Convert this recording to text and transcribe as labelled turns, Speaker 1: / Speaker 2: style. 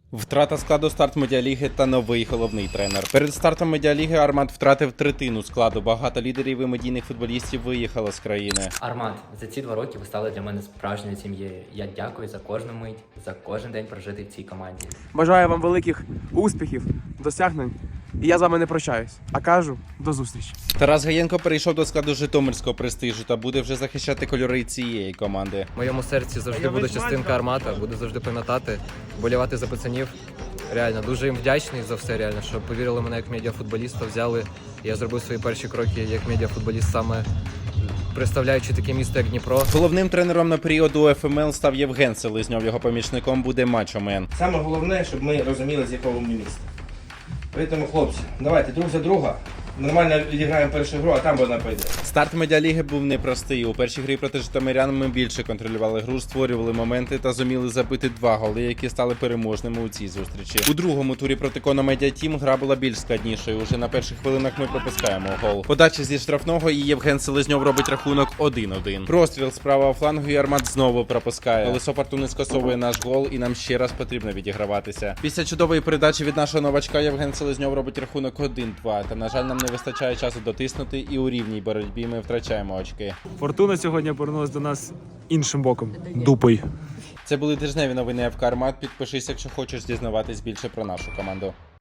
Speaker 1: Втрата складу старт медіаліги та новий головний тренер. Перед стартом медіаліги Армат втратив третину складу. Багато лідерів і медійних футболістів виїхало з країни.
Speaker 2: Армат, за ці 2 роки ви стали для мене справжньою сім'єю. Я дякую за кожну мить, за кожен день прожитий в цій команді.
Speaker 3: Бажаю вам великих успіхів, досягнень. І я з вами не прощаюсь, а кажу до зустрічі.
Speaker 1: Тарас Гаєнко перейшов до складу житомирського престижу та буде вже захищати кольори цієї команди.
Speaker 4: В моєму серці завжди буде частинка Армата, буду завжди пам'ятати, болівати за пацанів. Реально, дуже їм вдячний за все, реально, що повірили мене як медіафутболіста, взяли. Я зробив свої перші кроки як медіафутболіст, саме представляючи таке місто, як Дніпро.
Speaker 1: Головним тренером на період у ФМЛ став Євген Селезньов, його помічником буде Мачо Мен.
Speaker 5: Саме головне, щоб ми розуміли, з якого ми міста. Тому, хлопці, давайте друг за друга. Нормально відіграємо першу гру, а там вона пойде.
Speaker 1: Старт медіаліги був непростий. У першій грі проти житомирян ми більше контролювали гру, створювали моменти та зуміли забити 2 голи, які стали переможними у цій зустрічі. У другому турі проти Коно Медіа Тім гра була більш складнішою. Уже на перших хвилинах ми пропускаємо гол. Подача зі штрафного і Євген Селезньов робить рахунок 1-1. Простріл з правого флангу і Армат знову пропускає. Колесо фортуни скасовує наш гол і нам ще раз потрібно відіграватися. Після чудової передачі від нашого новачка Євген Селезньов робить рахунок 1-2. Та, на жаль, нам не вистачає часу дотиснути, і у рівній боротьбі ми втрачаємо очки.
Speaker 3: Фортуна сьогодні повернулася до нас іншим боком. Дупою.
Speaker 1: Це були тижневі новини ФК Армат. Підпишись, якщо хочеш дізнаватись більше про нашу команду.